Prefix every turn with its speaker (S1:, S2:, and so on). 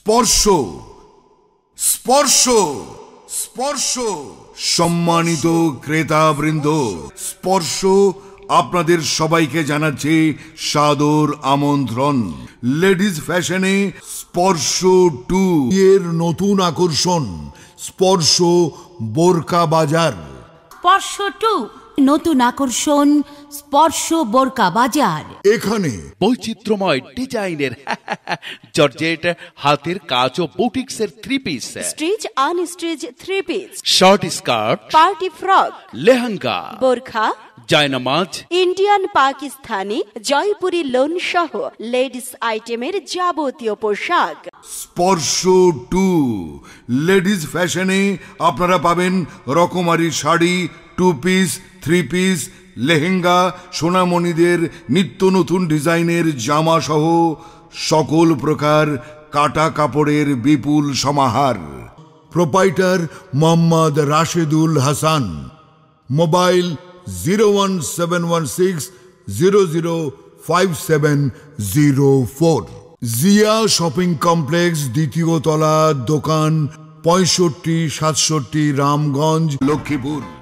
S1: স্পর্শ স্পর্শ স্পর্শ। সম্মানিত ক্রেতাবৃন্দ, স্পর্শ আপনাদের সবাইকে জানাচ্ছে সাদর আমন্ত্রণ। লেডিজ ফ্যাশনে স্পর্শ 2 এর নতুন আকর্ষণ স্পর্শ বোরকা বাজার।
S2: স্পর্শ 2 নতুন আকর্ষণ স্পর্শ বোরকা বাজার।
S1: এখানে
S3: বৈচিত্র্যময় ডিজাইনের জর্জেট হাতের কাজ ও বুটিক্সের 3 piece,
S4: stitch unstitch 3 piece,
S3: short skirt,
S4: party frock,
S3: lehenga,
S4: বোরখা,
S3: জায়নামাজ,
S4: ইন্ডিয়ান, পাকিস্তানি, জয়পুরি লোন সহ লেডিস আইটেমের যাবতীয় পোশাক।
S1: স্পর্শ 2 লেডিজ ফ্যাশনে আপনারা পাবেন রকমারি শাড়ি, 2 পিস, 3 পিস, লেহেঙ্গা, সোনামণিদের নিত্য নতুন ডিজাইনের জামা সহ সকল প্রকার কাটা কাপড়ের বিপুল সমাহার। Proprietor Mohammad Rashedul Hasan. Mobile 01716005704। Zia shopping complex, দ্বিতীয় তলা, দোকান 6567, রামগঞ্জ, লক্ষ্মীপুর।